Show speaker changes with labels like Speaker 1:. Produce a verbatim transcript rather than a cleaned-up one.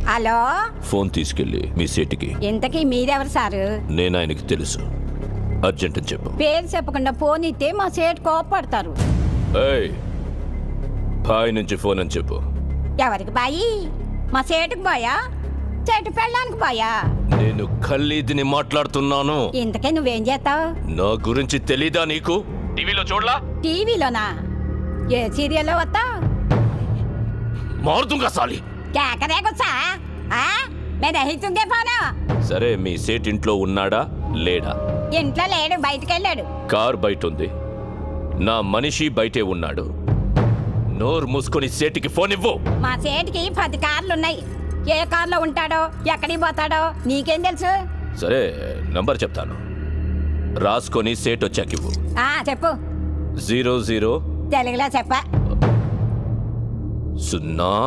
Speaker 1: Hello,
Speaker 2: phone తీసుకెళ్ళి మీ సీటుకి.
Speaker 1: ఇంతకీ మీరెవరు సారు?
Speaker 2: నేను ఆయనకి తెలుసు, అర్జెంట్ అని చెప్పు.
Speaker 1: పేరు చెప్పకుండా ఫోన్ ఇస్తే మా సేటు కోపడతారు.
Speaker 2: ఏయ్, బాయ్ నుంచి ఫోన్ అని చెప్పు.
Speaker 1: ఎవరికి బాయి? మా సేటుకు బాయా, చెట్టు పెళ్ళడానికి బాయా?
Speaker 2: నేను ఖల్లీదిని మాట్లాడుతున్నాను.
Speaker 1: ఇంతకీ నువ్వేం చేస్తావు?
Speaker 2: నా గురించి తెలీదా నీకు? టీవీలో చూడలా?
Speaker 1: టీవీలోనా? ఏ సీరియల్లో వస్తా?
Speaker 2: మారుతుంగా సాలి.
Speaker 1: కేకరే గుచ్చా? మే దహితుంగే ఫోను.
Speaker 2: సరే, మీ సేట్ ఇంట్లో ఉన్నాడా లేడా?
Speaker 1: ఇంట్లో లేడు, బయటికి వెళ్ళాడు.
Speaker 2: కార్ బయట ఉంది, నా మనిషి బయటే ఉన్నాడు. నోరు మూసుకొని సేటికి ఫోన్ ఇవ్వు.
Speaker 1: మా సేటుకి పది కార్లున్నాయి. ఏ కార్లో ఉంటాడో, ఎక్కడికి పోతాడో నీకేం తెలుసు?
Speaker 2: సరే, నంబర్ చెప్తాను, రాసుకొని సేట్ వచ్చాక ఇవ్వు.
Speaker 1: ఆ చెప్పు.
Speaker 2: జీరో జీరో
Speaker 1: తెలుగులో చెప్ప.
Speaker 2: సున్నా